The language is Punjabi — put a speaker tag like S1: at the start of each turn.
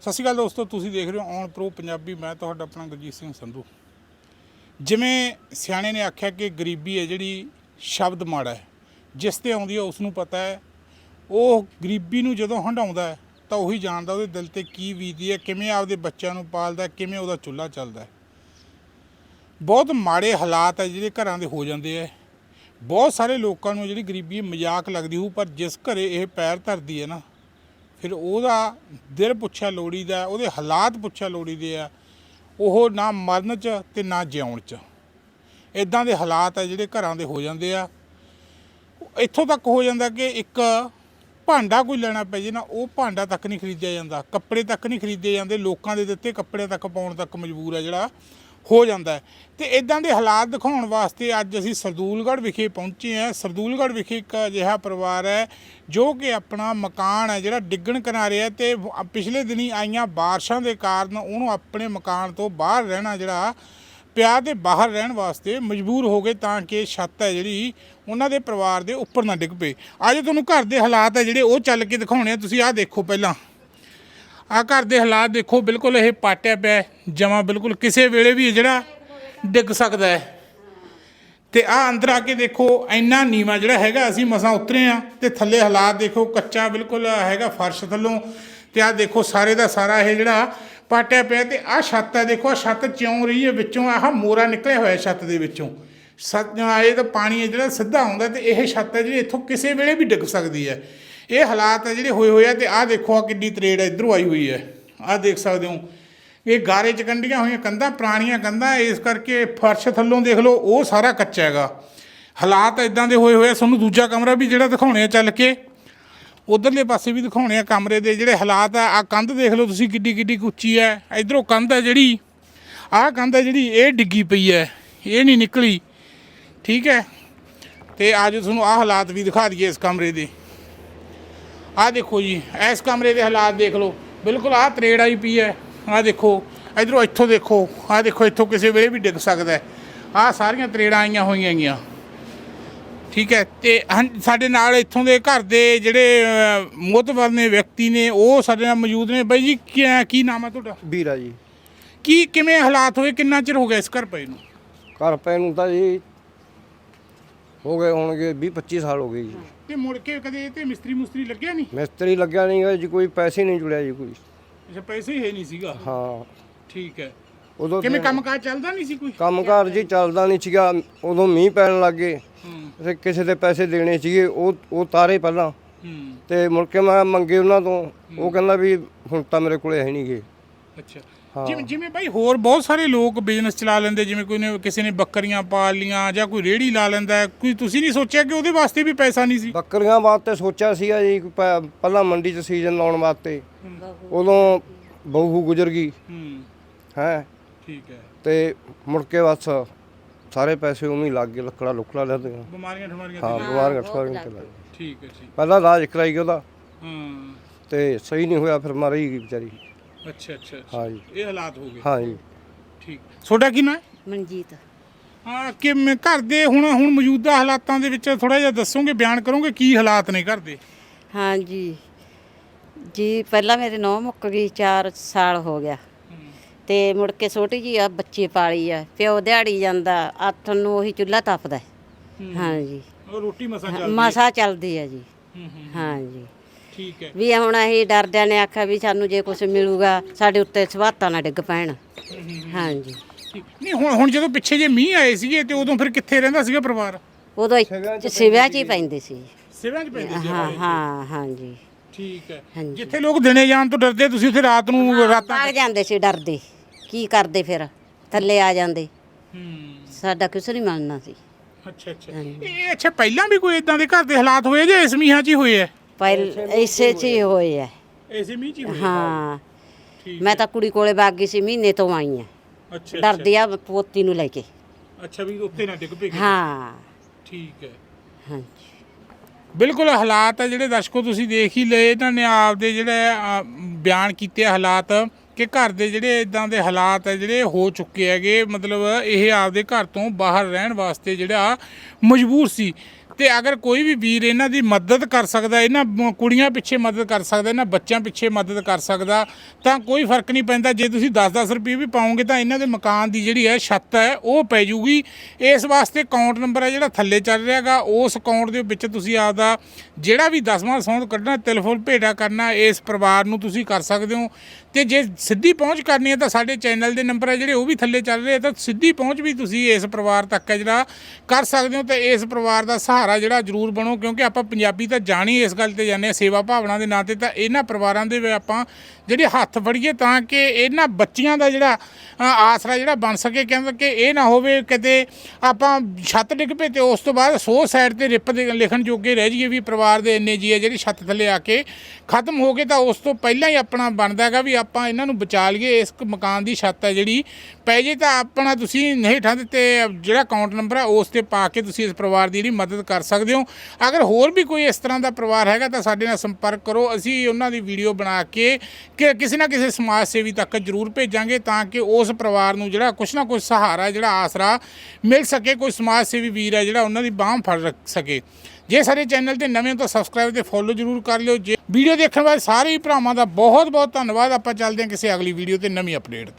S1: ਸਤਿ ਸ਼੍ਰੀ ਅਕਾਲ ਦੋਸਤੋ, ਤੁਸੀਂ ਦੇਖ ਰਹੇ ਹੋ ਔਨ ਪ੍ਰੋ ਪੰਜਾਬੀ। ਮੈਂ ਤੁਹਾਡਾ ਆਪਣਾ ਗੁਰਜੀਤ ਸਿੰਘ ਸੰਧੂ। ਜਿਵੇਂ ਸਿਆਣੇ ਨੇ ਆਖਿਆ ਕਿ ਗਰੀਬੀ ਹੈ ਜਿਹੜੀ ਸ਼ਬਦ ਮਾੜਾ ਹੈ, ਜਿਸ ਤੇ ਆਉਂਦੀ ਹੈ ਉਸ ਨੂੰ ਪਤਾ ਹੈ। ਉਹ ਗਰੀਬੀ ਨੂੰ ਜਦੋਂ ਹੰਢਾਉਂਦਾ ਹੈ ਤਾਂ ਉਹੀ ਜਾਣਦਾ ਉਹਦੇ ਦਿਲ ਤੇ ਕੀ ਬੀਤਦੀ ਹੈ, ਕਿਵੇਂ ਆਪਦੇ ਬੱਚਿਆਂ ਨੂੰ ਪਾਲਦਾ, ਕਿਵੇਂ ਉਹਦਾ ਚੁੱਲ੍ਹਾ ਚੱਲਦਾ ਹੈ। ਬਹੁਤ ਮਾੜੇ ਹਾਲਾਤ ਹੈ ਜਿਹੜੇ ਘਰਾਂ ਦੇ ਹੋ ਜਾਂਦੇ ਹੈ। ਬਹੁਤ ਸਾਰੇ ਲੋਕਾਂ ਨੂੰ ਜਿਹੜੀ ਗਰੀਬੀ ਮਜ਼ਾਕ ਲੱਗਦੀ ਹੋਊ, ਪਰ ਜਿਸ ਘਰੇ ਇਹ ਪੈਰ ਧਰਦੀ ਹੈ ਨਾ, ਫਿਰ ਉਹਦਾ ਦਿਲ ਪੁੱਛਿਆ ਲੋੜੀਦਾ, ਉਹਦੇ ਹਾਲਾਤ ਪੁੱਛਿਆ ਲੋੜੀਦੇ ਆ। ਉਹ ਨਾ ਮਰਨ 'ਚ ਅਤੇ ਨਾ ਜਿਉਣ 'ਚ। ਇੱਦਾਂ ਦੇ ਹਾਲਾਤ ਹੈ ਜਿਹੜੇ ਘਰਾਂ ਦੇ ਹੋ ਜਾਂਦੇ ਆ। ਇੱਥੋਂ ਤੱਕ ਹੋ ਜਾਂਦਾ ਕਿ ਇੱਕ ਭਾਂਡਾ ਕੋਈ ਲੈਣਾ ਪੈ ਜੇ ਨਾ, ਉਹ ਭਾਂਡਾ ਤੱਕ ਨਹੀਂ ਖਰੀਦਿਆ ਜਾਂਦਾ, ਕੱਪੜੇ ਤੱਕ ਨਹੀਂ ਖਰੀਦੇ ਜਾਂਦੇ। ਲੋਕਾਂ ਦੇ ਦਿੱਤੇ ਕੱਪੜੇ ਤੱਕ ਪਾਉਣ ਤੱਕ ਮਜਬੂਰ ਹੈ ਜਿਹੜਾ ਹੋ ਜਾਂਦਾ। ਅਤੇ ਇੱਦਾਂ ਦੇ ਹਾਲਾਤ ਦਿਖਾਉਣ ਵਾਸਤੇ ਅੱਜ ਅਸੀਂ ਸਰਦੂਲਗੜ੍ਹ ਵਿਖੇ ਪਹੁੰਚੇ ਹਾਂ। ਸਰਦੂਲਗੜ੍ਹ ਵਿਖੇ ਇੱਕ ਅਜਿਹਾ ਪਰਿਵਾਰ ਹੈ ਜੋ ਕਿ ਆਪਣਾ ਮਕਾਨ ਹੈ ਜਿਹੜਾ ਡਿੱਗਣ ਕਿਨਾਰੇ ਹੈ, ਅਤੇ ਪਿਛਲੇ ਦਿਨੀ ਆਈਆਂ ਬਾਰਿਸ਼ਾਂ ਦੇ ਕਾਰਨ ਉਹਨੂੰ ਆਪਣੇ ਮਕਾਨ ਤੋਂ ਬਾਹਰ ਰਹਿਣਾ ਜਿਹੜਾ ਪਿਆ, ਅਤੇ ਬਾਹਰ ਰਹਿਣ ਵਾਸਤੇ ਮਜਬੂਰ ਹੋ ਗਏ ਤਾਂ ਕਿ ਛੱਤ ਹੈ ਜਿਹੜੀ ਉਹਨਾਂ ਦੇ ਪਰਿਵਾਰ ਦੇ ਉੱਪਰ ਨਾ ਡਿੱਗ ਪਏ। ਅੱਜ ਤੁਹਾਨੂੰ ਘਰ ਦੇ ਹਾਲਾਤ ਹੈ ਜਿਹੜੇ ਉਹ ਚੱਲ ਕੇ ਦਿਖਾਉਣੇ ਆ। ਤੁਸੀਂ ਆਹ ਦੇਖੋ, ਪਹਿਲਾਂ ਆਹ ਘਰ ਦੇ ਹਾਲਾਤ ਦੇਖੋ। ਬਿਲਕੁਲ ਇਹ ਪਾਟਿਆ ਪਿਆ ਜਮਾਂ, ਬਿਲਕੁਲ ਕਿਸੇ ਵੇਲੇ ਵੀ ਜਿਹੜਾ ਡਿੱਗ ਸਕਦਾ ਹੈ। ਅਤੇ ਆਹ ਅੰਦਰ ਆ ਕੇ ਦੇਖੋ, ਇੰਨਾ ਨੀਵਾਂ ਜਿਹੜਾ ਹੈਗਾ, ਅਸੀਂ ਮਸਾਂ ਉਤਰੇ ਹਾਂ। ਅਤੇ ਥੱਲੇ ਹਾਲਾਤ ਦੇਖੋ, ਕੱਚਾ ਬਿਲਕੁਲ ਹੈਗਾ ਫਰਸ਼ ਥੱਲੋਂ। ਅਤੇ ਆਹ ਦੇਖੋ ਸਾਰੇ ਦਾ ਸਾਰਾ ਇਹ ਜਿਹੜਾ ਪਾਟਿਆ ਪਿਆ। ਅਤੇ ਆਹ ਛੱਤ ਹੈ ਦੇਖੋ, ਆਹ ਛੱਤ ਚਿਉਂ ਰਹੀ ਹੈ ਵਿੱਚੋਂ, ਆਹ ਮੋਰਾ ਨਿਕਲਿਆ ਹੋਇਆ ਛੱਤ ਦੇ ਵਿੱਚੋਂ। ਇਹ ਤਾਂ ਪਾਣੀ ਹੈ ਜਿਹੜਾ ਸਿੱਧਾ ਆਉਂਦਾ, ਅਤੇ ਇਹ ਛੱਤ ਹੈ ਜਿਹੜੀ ਇੱਥੋਂ ਕਿਸੇ ਵੇਲੇ ਵੀ ਡਿੱਗ ਸਕਦੀ ਹੈ। ਇਹ ਹਾਲਾਤ ਹੈ ਜਿਹੜੇ ਹੋਏ ਆ। ਅਤੇ ਆਹ ਦੇਖੋ, ਆਹ ਕਿੰਨੀ ਤਰੇੜ ਇੱਧਰੋਂ ਆਈ ਹੋਈ ਹੈ। ਆਹ ਦੇਖ ਸਕਦੇ ਹੋ, ਇਹ ਗਾਰੇ 'ਚ ਕੰਢੀਆਂ ਹੋਈਆਂ ਕੰਧਾਂ, ਪੁਰਾਣੀਆਂ ਕੰਧਾਂ, ਇਸ ਕਰਕੇ ਫਰਸ਼ ਥੱਲੋਂ ਦੇਖ ਲਓ ਉਹ ਸਾਰਾ ਕੱਚਾ ਹੈਗਾ। ਹਾਲਾਤ ਇੱਦਾਂ ਦੇ ਹੋਏ ਆ। ਤੁਹਾਨੂੰ ਦੂਜਾ ਕਮਰਾ ਵੀ ਜਿਹੜਾ ਦਿਖਾਉਣੇ ਆ ਚੱਲ ਕੇ, ਉੱਧਰਲੇ ਪਾਸੇ ਵੀ ਦਿਖਾਉਣੇ ਆ ਕਮਰੇ ਦੇ ਜਿਹੜੇ ਹਾਲਾਤ ਆ। ਆਹ ਕੰਧ ਦੇਖ ਲਓ ਤੁਸੀਂ ਕਿੱਡੀ ਉੱਚੀ ਹੈ। ਇੱਧਰੋਂ ਕੰਧ ਹੈ ਜਿਹੜੀ, ਆਹ ਕੰਧ ਹੈ ਜਿਹੜੀ ਇਹ ਡਿੱਗੀ ਪਈ ਹੈ, ਇਹ ਨਹੀਂ ਨਿਕਲੀ। ਠੀਕ ਹੈ। ਅਤੇ ਅੱਜ ਤੁਹਾਨੂੰ ਆਹ ਹਾਲਾਤ ਵੀ ਦਿਖਾ ਦਈਏ ਇਸ ਕਮਰੇ ਦੇ। ਆਹ ਦੇਖੋ ਜੀ, ਇਸ ਕਮਰੇ ਦੇ ਹਾਲਾਤ ਦੇਖ ਲਓ, ਬਿਲਕੁਲ ਆਹ ਤਰੇੜ ਆਈ ਪਈ ਹੈ। ਆਹ ਦੇਖੋ ਇੱਧਰੋਂ, ਇੱਥੋਂ ਦੇਖੋ, ਆਹ ਦੇਖੋ, ਇੱਥੋਂ ਕਿਸੇ ਵੇਲੇ ਵੀ ਡਿੱਗ ਸਕਦਾ। ਆਹ ਸਾਰੀਆਂ ਤਰੇੜਾਂ ਆਈਆਂ ਹੋਈਆਂ ਹੈਗੀਆਂ। ਠੀਕ ਹੈ। ਅਤੇ ਸਾਡੇ ਨਾਲ ਇੱਥੋਂ ਦੇ ਘਰ ਦੇ ਜਿਹੜੇ ਮੋਹਤਬਰ ਨੇ ਵਿਅਕਤੀ ਨੇ, ਉਹ ਸਾਡੇ ਨਾਲ ਮੌਜੂਦ ਨੇ। ਬਾਈ ਜੀ, ਕੀ ਨਾਮ ਹੈ ਤੁਹਾਡਾ?
S2: ਵੀਰਾ ਜੀ।
S1: ਕਿਵੇਂ ਹਾਲਾਤ ਹੋਏ, ਕਿੰਨਾ ਚਿਰ ਹੋ ਗਿਆ ਇਸ ਘਰ ਪਏ ਨੂੰ?
S2: ਘਰ ਪੈ ਨੂੰ ਤਾਂ ਜੀ ਹੋ ਗਏ ਹੋਣਗੇ 20-25 ਸਾਲ ਹੋ ਗਏ ਜੀ।
S1: ਅਤੇ ਮੁੜ ਕੇ ਕਦੇ ਤੇ ਮਿਸਤਰੀ ਲੱਗਿਆ ਨਹੀਂ?
S2: ਮਿਸਤਰੀ ਲੱਗਿਆ ਨਹੀਂ ਗਾ ਜੀ, ਕੋਈ ਪੈਸੇ ਨਹੀਂ ਜੁੜਿਆ ਜੀ ਕੋਈ।
S1: ਅੱਛਾ, ਪੈਸੇ ਹੀ ਹੈ ਨਹੀਂ ਸੀਗਾ।
S2: ਹਾਂ।
S1: ਠੀਕ ਹੈ।
S2: ਉਦੋਂ
S1: ਕਿਵੇਂ ਕੰਮਕਾਜ ਚੱਲਦਾ ਨਹੀਂ ਸੀ ਕੋਈ?
S2: ਕੰਮਕਾਰ ਜੀ ਚੱਲਦਾ ਨਹੀਂ ਸੀਗਾ। ਉਦੋਂ ਮੀਂਹ ਪੈਣ ਲੱਗ ਗਏ, ਤੇ ਕਿਸੇ ਦੇ ਪੈਸੇ ਦੇਣੇ ਸੀਗੇ, ਉਹ ਤਾਰੇ ਪਹਿਲਾਂ। ਤੇ ਮੁੜ ਕੇ ਮੈਂ ਮੰਗੇ ਉਹਨਾਂ ਤੋਂ, ਉਹ ਕਹਿੰਦਾ ਵੀ ਹੁਣ ਤਾਂ ਮੇਰੇ ਕੋਲੇ ਹੈ ਨਹੀਂ ਗੇ।
S1: ਅੱਛਾ। ਜਿਵੇਂ ਬਾਈ ਹੋਰ ਬਹੁਤ ਸਾਰੇ ਲੋਕ ਬਿਜ਼ਨਸ ਚਲਾ ਲੈਂਦੇ, ਜਿਵੇਂ ਕਿਸੇ ਨੇ ਬੱਕਰੀਆਂ ਪਾਲ ਲੀਆਂ ਜਾਂ ਕੋਈ ਰੇਹੜੀ ਲਾ ਲੈਂਦਾ, ਕੋਈ ਤੁਸੀਂ ਨਹੀਂ ਸੋਚਿਆ ਕਿ ਉਹਦੇ ਵਾਸਤੇ ਵੀ ਪੈਸਾ ਨਹੀਂ ਸੀ?
S2: ਬੱਕਰੀਆਂ ਵਾਸਤੇ ਸੋਚਿਆ ਸੀਗਾ ਜੀ, ਪਹਿਲਾਂ ਮੰਡੀ 'ਚ ਸੀਜ਼ਨ ਲਾਉਣ ਵਾਸਤੇ। ਉਦੋਂ ਬਹੂ ਗੁਜ਼ਰ ਗਈ ਹੈ। ਠੀਕ ਹੈ। ਤੇ ਮੁੜ ਕੇ ਬਸ ਸਾਰੇ ਪੈਸੇ ਉਵੇਂ ਹੀ ਲੱਗ ਗਏ, ਲੱਕੜਾ ਲੱਗ ਗਈਆਂ, ਬਿਮਾਰੀਆਂ ਠਮਾਰੀਆਂ। ਹਾਂ, ਬਿਮਾਰੀਆਂ ਠਮਾਰੀਆਂ ਤੇ ਲੱਗ ਗਈਆਂ। ਠੀਕ ਹੈ। ਠੀਕ। ਪਹਿਲਾਂ ਇਲਾਜ ਕਰਾਈ ਗਿਆ ਉਹਦਾ, ਤੇ ਸਹੀ ਨਹੀਂ ਹੋਇਆ, ਫਿਰ ਮਰ ਹੀ ਗਈ ਵਿਚਾਰੀ। ਅੱਛਾ। ਹਾਂ ਜੀ, ਇਹ ਹਾਲਾਤ ਹੋ ਗਏ। ਹਾਂ ਜੀ। ਠੀਕ। ਤੁਹਾਡਾ ਕੀ ਨਾਮ?
S3: ਮਨਜੀਤ।
S1: ਹਾਂ। ਕਿਵੇਂ ਘਰ ਦੇ ਹੁਣ ਮੌਜੂਦਾ ਹਾਲਾਤਾਂ ਦੇ ਵਿੱਚ ਥੋੜ੍ਹਾ ਜਿਹਾ ਦੱਸੋਗੇ, ਬਿਆਨ ਕਰੋਗੇ ਕੀ ਹਾਲਾਤ ਨੇ ਘਰ ਦੇ?
S3: ਹਾਂਜੀ ਜੀ, ਪਹਿਲਾਂ ਮੇਰੇ ਨੂੰਹ ਮੁੱਕ ਗਈ, 4 ਸਾਲ ਹੋ ਗਿਆ। ਤੇ ਮੁੜ ਕੇ ਛੋਟੀ ਜੀ ਆ ਬੱਚੇ ਪਾਲੀ ਆ, ਪਿਓ ਦਿਹਾੜੀ ਜਾਂਦਾ, ਆਥਣ ਨੂੰ ਉਹੀ ਚੁੱਲ੍ਹਾ ਤਪਦਾ। ਹਾਂਜੀ।
S1: ਰੋਟੀ
S3: ਮਸਾ ਚੱਲਦੀ ਆ ਜੀ। ਹਾਂਜੀ।
S1: ਠੀਕ ਹੈ।
S3: ਵੀ ਹੁਣ ਅਸੀਂ ਡਰਦਿਆਂ ਨੇ ਆਖਿਆ ਵੀ ਸਾਨੂੰ ਜੇ ਕੁਝ ਮਿਲੂਗਾ ਸਾਡੇ ਉੱਤੇ ਸਵਾਤਾਂ ਨਾ ਡਿੱਗ ਪੈਣ। ਹਾਂਜੀ।
S1: ਨਹੀਂ, ਹੁਣ ਜਦੋਂ ਪਿੱਛੇ ਜੇ ਮੀਂਹ ਆਏ ਸੀਗੇ, ਤੇ ਉਦੋਂ ਫਿਰ ਕਿੱਥੇ ਰਹਿੰਦਾ ਸੀਗਾ ਪਰਿਵਾਰ?
S3: ਉਦੋਂ ਸਿਵਿਆਂ 'ਚ ਹੀ ਪੈਂਦੇ ਸੀ।
S1: ਸਿਵਿਆਂ 'ਚ ਪੈਂਦੇ ਸੀ?
S3: ਹਾਂ। ਹਾਂਜੀ।
S1: ਠੀਕ ਹੈ। ਜਿੱਥੇ ਲੋਕ ਦਿਨੇ ਜਾਣ ਤੋਂ ਡਰਦੇ, ਤੁਸੀਂ ਉੱਥੇ ਰਾਤ ਨੂੰ
S3: ਭਾਗ ਜਾਂਦੇ ਸੀ ਡਰਦੇ। ਕੀ ਕਰਦੇ ਫਿਰ? ਥੱਲੇ ਆ ਜਾਂਦੇ। ਸਾਡਾ ਕੁਛ ਨਹੀਂ ਮੰਨਣਾ ਸੀ।
S1: ਅੱਛਾ। ਪਹਿਲਾਂ ਵੀ ਕੋਈ ਇਦਾਂ ਦੇ ਘਰ ਦੇ ਹਾਲਾਤ ਹੋਏ ਜਾਂ ਇਸ ਮੀਂਹਾਂ 'ਚ ਹੀ ਹੋਏ ਆ?
S3: ਇਸੇ 'ਚ ਹੀ ਹੋਏ ਆ।
S1: ਇਸੇ ਮੀਂਹ 'ਚ ਹੀ ਹੋਏ?
S3: ਹਾਂ। ਮੈਂ ਤਾਂ ਕੁੜੀ ਕੋਲੇ ਵਗ ਗਈ ਸੀ, ਮਹੀਨੇ ਤੋਂ ਆਈ ਆ। ਅੱਛਾ। ਡਰਦੀ ਆ ਪੋਤੀ ਨੂੰ ਲੈ ਕੇ।
S1: ਅੱਛਾ, ਵੀ ਉੱਤੇ ਨਾ ਡਿੱਗ ਪਏ।
S3: ਹਾਂ।
S1: ਠੀਕ ਹੈ।
S3: ਹਾਂਜੀ।
S1: ਬਿਲਕੁਲ ਹਾਲਾਤ ਆ ਜਿਹੜੇ ਦਰਸ਼ਕੋ ਤੁਸੀਂ ਦੇਖ ਹੀ ਲਏ। ਇਹਨਾਂ ਨੇ ਆਪਦੇ ਜਿਹੜੇ ਬਿਆਨ ਕੀਤੇ ਹਾਲਾਤ ਕਿ ਘਰ ਦੇ ਜਿਹੜੇ ਇਦਾਂ ਦੇ ਹਾਲਾਤ ਹੈ ਜਿਹੜੇ ਹੋ ਚੁੱਕੇ ਹੈਗੇ। ਮਤਲਬ ਇਹ ਆਪਦੇ ਘਰ ਤੋਂ ਬਾਹਰ ਰਹਿਣ ਵਾਸਤੇ ਜਿਹੜਾ ਮਜਬੂਰ ਸੀ। ਤੇ ਅਗਰ ਕੋਈ ਵੀ ਵੀਰ ਇਹਨਾਂ ਦੀ ਮਦਦ ਕਰ ਸਕਦਾ, ਇਹਨਾਂ ਕੁੜੀਆਂ ਪਿੱਛੇ ਮਦਦ ਕਰ ਸਕਦਾ, ਇਹਨਾਂ ਬੱਚਿਆਂ ਪਿੱਛੇ ਮਦਦ ਕਰ ਸਕਦਾ, ਤਾਂ ਕੋਈ ਫਰਕ ਨਹੀਂ ਪੈਂਦਾ। ਜੇ ਤੁਸੀਂ 10-10 ਰੁਪਏ ਵੀ ਪਾਓਗੇ ਤਾਂ ਇਹਨਾਂ ਦੇ ਮਕਾਨ ਦੀ ਜਿਹੜੀ ਹੈ ਛੱਤ ਹੈ ਉਹ ਪੈ ਜੂਗੀ। ਇਸ ਵਾਸਤੇ ਅਕਾਊਂਟ ਨੰਬਰ ਹੈ ਜਿਹੜਾ ਥੱਲੇ ਚੱਲ ਰਿਹਾਗਾ, ਉਸ ਅਕਾਊਂਟ ਦੇ ਵਿੱਚ ਤੁਸੀਂ ਆਪਦਾ ਜਿਹੜਾ ਵੀ 10ਵਾਂ ਸੌਂਦ ਕੱਢਣਾ, ਤਿਲਫੁਲ ਭੇਟਾ ਕਰਨਾ ਇਸ ਪਰਿਵਾਰ ਨੂੰ ਤੁਸੀਂ ਕਰ ਸਕਦੇ ਹੋ। ਤੇ ਜੇ ਸਿੱਧੀ ਪਹੁੰਚ ਕਰਨੀ ਹੈ ਤਾਂ ਸਾਡੇ ਚੈਨਲ ਦੇ ਨੰਬਰ ਹੈ ਜਿਹੜੇ ਉਹ ਵੀ ਥੱਲੇ ਚੱਲ ਰਹੇ, ਤਾਂ ਸਿੱਧੀ ਪਹੁੰਚ ਵੀ ਤੁਸੀਂ ਇਸ ਪਰਿਵਾਰ ਤੱਕ ਹੈ ਜਿਹੜਾ ਕਰ ਸਕਦੇ ਹੋ। ਤੇ ਇਸ ਪਰਿਵਾਰ ਦਾ ਸਹਾਰਾ ਜਿਹੜਾ ਜ਼ਰੂਰ ਬਣੋ, ਕਿਉਂਕਿ ਆਪਾਂ ਪੰਜਾਬੀ ਤਾਂ ਜਾਣੀ ਇਸ ਗੱਲ ਤੇ ਜਾਂਦੇ ਹਾਂ ਸੇਵਾ ਭਾਵਨਾ ਦੇ ਨਾਂ 'ਤੇ। ਤਾਂ ਇਹਨਾਂ ਪਰਿਵਾਰਾਂ ਦੇ ਆਪਾਂ ਜਿਹੜੇ ਹੱਥ ਫੜੀਏ ਤਾਂ ਕਿ ਇਹਨਾਂ ਬੱਚੀਆਂ ਦਾ ਜਿਹੜਾ ਆਸਰਾ ਜਿਹੜਾ ਬਣ ਸਕੇ, ਕਿਉਂਕਿ ਇਹ ਨਾ ਹੋਵੇ ਕਿਤੇ ਆਪਾਂ ਛੱਤ ਡਿੱਗ ਪਏ ਤੇ ਉਸ ਤੋਂ ਬਾਅਦ 100 ਸਾਈਡ ਤੇ ਰਿਪ ਦੇ ਲਿਖਣ ਜੋਗੇ ਰਹਿ ਜਾਈਏ ਵੀ ਪਰਿਵਾਰ ਦੇ ਇੰਨੇ ਜੀ ਹੈ ਜਿਹੜੀ ਛੱਤ ਥੱਲੇ ਆ ਕੇ ਖਤਮ ਹੋ ਗਏ। ਤਾਂ ਉਸ ਤੋਂ ਪਹਿਲਾਂ ਹੀ ਆਪਣਾ ਬਣਦਾ ਹੈਗਾ ਵੀ ਆਪਾਂ ਇਹਨਾਂ ਨੂੰ ਬਚਾ ਲਈਏ। ਇਸ ਮਕਾਨ ਦੀ ਛੱਤ ਹੈ ਜਿਹੜੀ ਪੈ ਜੇ ਤਾਂ ਆਪਣਾ ਤੁਸੀਂ ਹੇਠਾਂ ਦਿੱਤੇ ਜਿਹੜਾ ਅਕਾਊਂਟ ਨੰਬਰ ਹੈ ਉਸ 'ਤੇ ਪਾ ਕੇ ਤੁਸੀਂ ਇਸ ਪਰਿਵਾਰ ਦੀ ਜਿਹੜੀ ਮਦਦ ਕਰ ਸਕਦੇ ਹੋ। ਅਗਰ ਹੋਰ ਵੀ ਕੋਈ ਇਸ ਤਰ੍ਹਾਂ ਦਾ ਪਰਿਵਾਰ ਹੈਗਾ ਤਾਂ ਸਾਡੇ ਨਾਲ ਸੰਪਰਕ ਕਰੋ, ਅਸੀਂ ਉਹਨਾਂ ਦੀ ਵੀਡੀਓ ਬਣਾ ਕੇ ਕਿ ਕਿਸੇ ਨਾ ਕਿਸੇ ਸਮਾਜ ਸੇਵੀ ਤੱਕ ਜ਼ਰੂਰ ਭੇਜਾਂਗੇ ਤਾਂ ਕਿ ਉਸ ਪਰਿਵਾਰ ਨੂੰ ਜਿਹੜਾ ਕੁਛ ਨਾ ਕੁਛ ਸਹਾਰਾ ਜਿਹੜਾ ਆਸਰਾ ਮਿਲ ਸਕੇ, ਕੋਈ ਸਮਾਜ ਸੇਵੀ ਵੀਰ ਹੈ ਜਿਹੜਾ ਉਹਨਾਂ ਦੀ ਬਾਂਹ ਫੜ ਰੱਖ ਸਕੇ। ਜੇ ਸਾਡੇ ਚੈਨਲ ਤੇ ਨਵੇਂ ਹੋ ਤਾਂ ਸਬਸਕ੍ਰਾਈਬ ਤੇ ਫੋਲੋ ਜ਼ਰੂਰ ਕਰ ਲਿਓ। ਜੇ ਵੀਡੀਓ ਦੇਖਣ ਵਾਲੇ ਸਾਰੇ ਭਰਾਵਾਂ ਦਾ ਬਹੁਤ ਬਹੁਤ ਧੰਨਵਾਦ। ਆਪਾਂ ਚੱਲਦੇ ਹਾਂ ਕਿਸੇ ਅਗਲੀ ਵੀਡੀਓ ਤੇ ਨਵੀਂ ਅਪਡੇਟ।